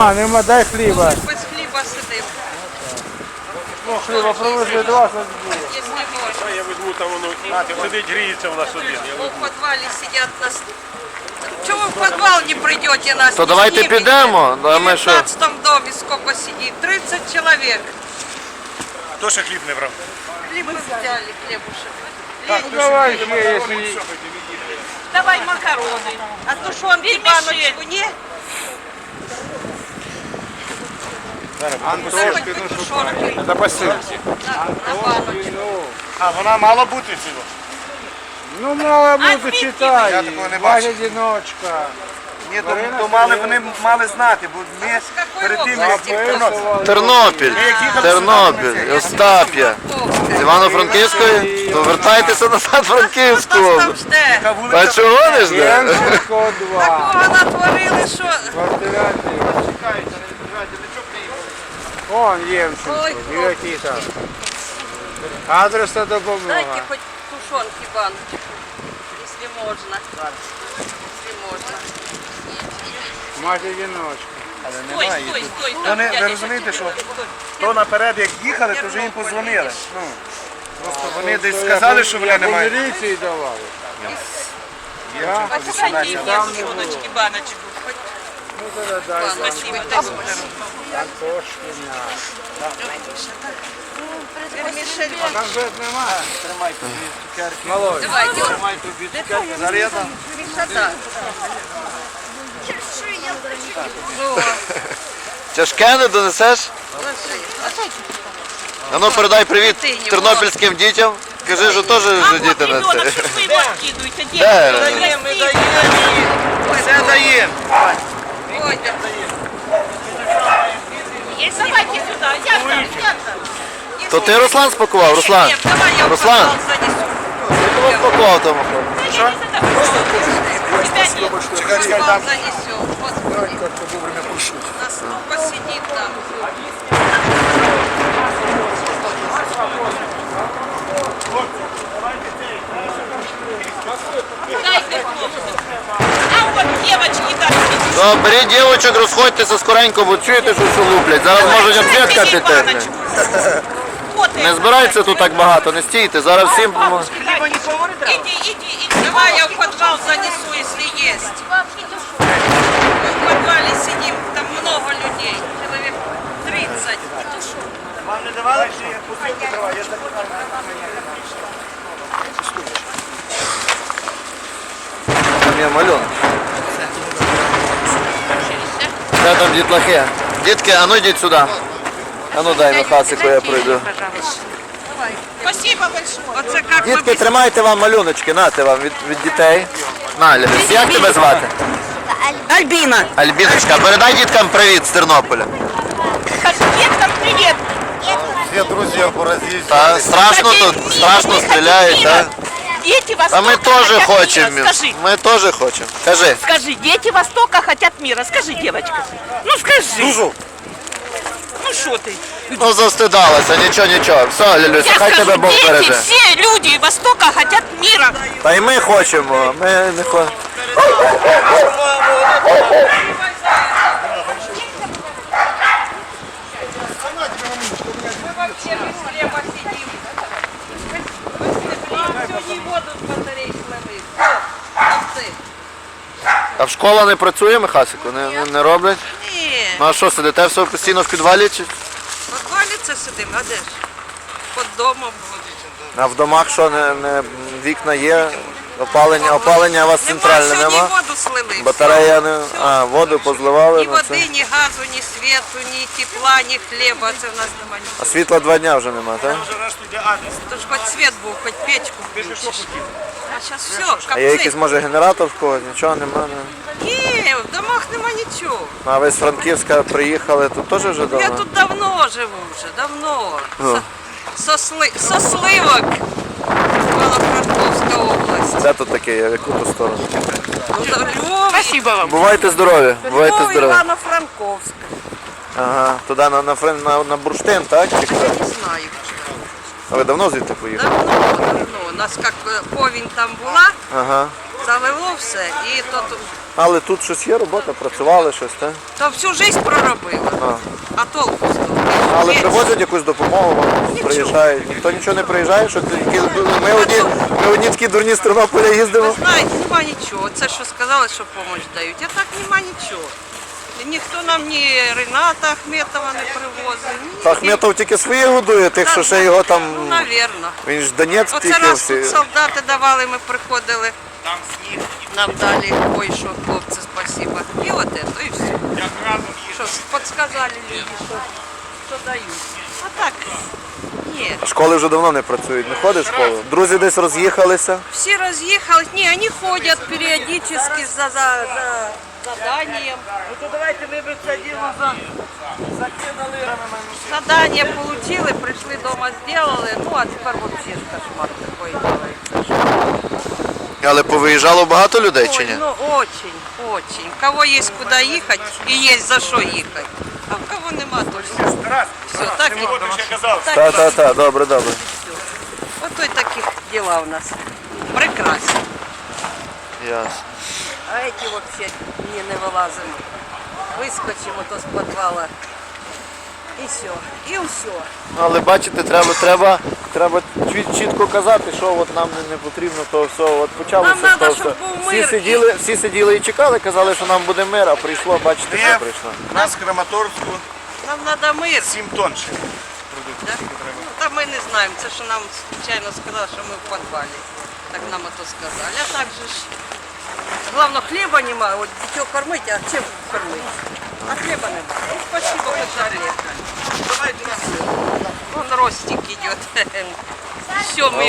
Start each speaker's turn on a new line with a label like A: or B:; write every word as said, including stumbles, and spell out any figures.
A: А, нема, дай хліба.
B: Без хліба сидим.
A: Ну, хліба привезли два, що було.
B: Якщо можна.
C: Я візьму там воно, сидить, гріється у нас один.
B: У підвалі сидять нас. Чого в підвал не прийдете нас?
D: То
B: не
D: давайте
B: знімете?
D: підемо, да,
B: В
D: ми що?
B: дев'ятнадцятому домі скільки сидить? тридцять чоловік.
C: Хто ще хліб не брав?
B: Хліб ми взяли, хлібушек.
A: Ну, давай ще, якщо...
B: Давай макарони. А тушонки баночку, ні?
A: Антошки, ну що
B: Тушонки
A: це посилки.
B: на, на баночку.
C: А, вона мало бути цього.
A: Ну, мало бути,
C: Я
A: читай.
C: такого не
A: Валя
C: бачив.
A: одиночка.
E: Ні, то, то мали, вони мали знати, бо ми
B: З якої
E: перед тим,
B: області?
E: як
A: Записували.
D: Тернопіль, Тернопіль, Остап'я. З Івано-Франківської? То вертайтеся назад в Франківську.
B: Хто там
D: область.
B: жде?
E: яка
D: А
E: вулиця,
D: чого не жде?
A: Янченко два.
B: Такого натворили, що...
A: Квартирантів. Вон Ємченко,
B: Ой,
A: і які там. Адресна допомога.
B: Дайте хоч тушонки баночку, якщо можна. Якщо можна.
A: Мать одиночка.
B: Стой, стой, стой.
E: Вони, ви розумієте, що то наперед, як їхали, то вже їм позвонили. Ну, просто вони десь сказали, що вони
A: Я по
E: немає.
A: міліції давали.
B: Тушоночки баночку.
A: Ну, тоді дай вам.
B: Спасибо.
A: Антошкіна.
B: Вермішель.
A: Конфет нема?
E: Тримай тобі цукерки.
A: Молодь.
B: Давай, Діма.
E: Тримай тобі цукерки. Заряда.
B: Красота.
D: Тяжке не донесеш? А ну передай привіт тернопільським дітям. Кажи, що теж вже діти на це. Де?
E: Все даємо.
B: Водя.
F: Давайте сюда, я там, я там.
D: То ти Руслан спакував, Руслан?
B: Нет, давай я в
D: Руслан,
B: подвал занесу.
D: ти кого спакував тому?
B: В подвал занесу. Вот. Нас посидит там.
F: Дайте хлопцю. А вот девочки там.
D: То беріть дівочок, розходьтеся скоренько, бо чуєте, що що луплять. Зараз можуть обсвідка піти. Не збирайтеся тут так багато, не стійте. Зараз всім помо-
F: Хлеба не поварит? Иди, иди, иди.
B: Давай я в подвал занесу, если есть. Мы в подвале сидим, там много людей. Человек тридцать.
E: Вам не давали, чи я посилку триваю? Я так
D: Там є малюнок. Де там дітлахи? Дітки, а ну йдіть сюди. А ну дай на хасику, я пройду.
F: Спасибо большое.
B: Оце як ми
D: Дітки, тримайте вам малюночки, нате вам від, від дітей. На, Ліліс, як тебе звати?
B: Альбіна.
D: Альбіночка, передай діткам привіт з Тернополя.
F: Скажи, деткам привет.
E: всі друзі поразились.
D: Та страшно тут, страшно стріляють, так?
F: Дети
D: А
F: Востока
D: ми теж
F: хотят
D: хочемо.
F: мира. Скажи,
D: Ми теж хочемо. Кажи.
F: скажи, дети Востока хотят мира. Скажи, девочка. Ну скажи. Ну что ты?
D: Ну застидалася, нічого, нічого. Все, Лілюся,
F: Я
D: хай
F: скажу,
D: тебе Бог
F: дети,
D: береже.
F: все люди Востока хотят мира.
D: Та й ми хочемо, ми не хочемо.
B: Мы вообще без хлеба сидим. Сегодня воду с батарей слили. Овцы.
D: А в школа не працює, Михасику? Не, не, не роблять?
B: Ні.
D: Ну а що, сидите все постійно в підвалі? Чи?
B: В подвалі це сидимо, а де ж? Під домом.
D: А в домах що, не, не, вікна є? Опалення, опалення у вас центральне
B: Нема,
D: нема?
B: сьогодні воду слили.
D: Батарея не... А, воду позливали
B: Ні
D: на
B: води,
D: це.
B: ні газу, ні світу, ні тепла, ні хліба. Це в нас нема
D: А
B: нічого.
D: світла два дня вже нема, так?
B: Тож хоч світ був, хоч печку включиш. А зараз все,
D: А є якийсь,
B: капці.
D: може, генератор в когось? Нічого нема? Не?
B: Ні, в домах нема нічого.
D: Ну, а ви з Франківська приїхали, тут теж вже
B: Я
D: давно?
B: тут давно живу вже, давно.
D: О.
B: Со, сли, со сливок. Івано-Франковська область.
D: Де тут таке є? В яку ту сторону?
B: Ну, за Львов,
F: Спасибо вам.
D: Бувайте здорові, бувайте
B: Львов,
D: здорові.
B: Івано-Франковськ.
D: Ага, туди на, на, Френ- на, на бурштин, так? Чи хто?
B: Не знаю.
D: А ви давно звідти поїхали?
B: Давно, давно. У нас як е, повінь там була,
D: Ага.
B: Залило все. І то, то,
D: Але тут щось є, робота, працювали щось, так?
B: то всю життя проробила. А толку з того?
D: Але
B: Є.
D: привозять якусь допомогу, вам приїжджають. Ніхто нічого не приїжджає, що ти- які- ми одні, ми одні такі дурні з Тернополя
B: Ви
D: їздимо.
B: знаєте, нема нічого. Це що сказали, що допомогу дають. А так нема нічого. І ніхто нам ні Рената Ахметова не привозив. Ні.
D: Та Ахметов тільки свої годує, тих, що ще його
B: Ну,
D: там.
B: навірно.
D: Він ж Донецьк
B: Оце
D: тільки
B: раз
D: всі.
B: тут солдати давали, ми приходили. Нам дали, ой, що, хлопці, спасибо. І от це, і все. Що, підсказали люди, що, що дають. А так, ні.
D: Школи вже давно не працюють, не ходить в школу. Друзі десь роз'їхалися.
B: Все разъехались. Не, они ходят периодически за, за, за заданием.
E: Ну то давайте ми б це діло за... закинули.
B: Задание получили, пришли дома, сделали. Ну, а теперь вообще кошмар такой делается.
D: Але повиїжджало багато людей чи
B: Ой,
D: ні?
B: ну, очень, очень. У кого есть куда ехать и есть за что ехать. А у кого нема, то все.
C: Тарас,
B: Все, так и
C: от ще казав.
B: так
D: Так,
B: и
D: так, так, добре, добре.
B: Вот и таких дела у нас. Прекрасно.
D: Ясно.
B: А эти вообще не, не вылазим. Выскочим вот с подвала. И все. И все.
D: Але бачите, треба, треба, треба чіт- чітко казати, що от нам не, не потрібно, то все. От почалося
B: Нам надо,
D: то
B: щоб
D: все.
B: був
D: Всі
B: мир.
D: сиділи, всі сиділи і чекали, казали, що нам буде мир, а прийшло, бачите, що
C: Є
D: прийшло.
C: у нас в Краматорську
B: Нам надо мир.
C: сім тонн ще.
B: Да? Ну, та ми не знаємо. Це що нам случайно сказали, що ми в підвалі. Так нам это сказали. А так же ж. Главное, хлеба немає. От дитё кормить, а чим кормить? А хлеба немає. Ну, спасибо, хоть Олег. Вон Ростик идет. Все, мы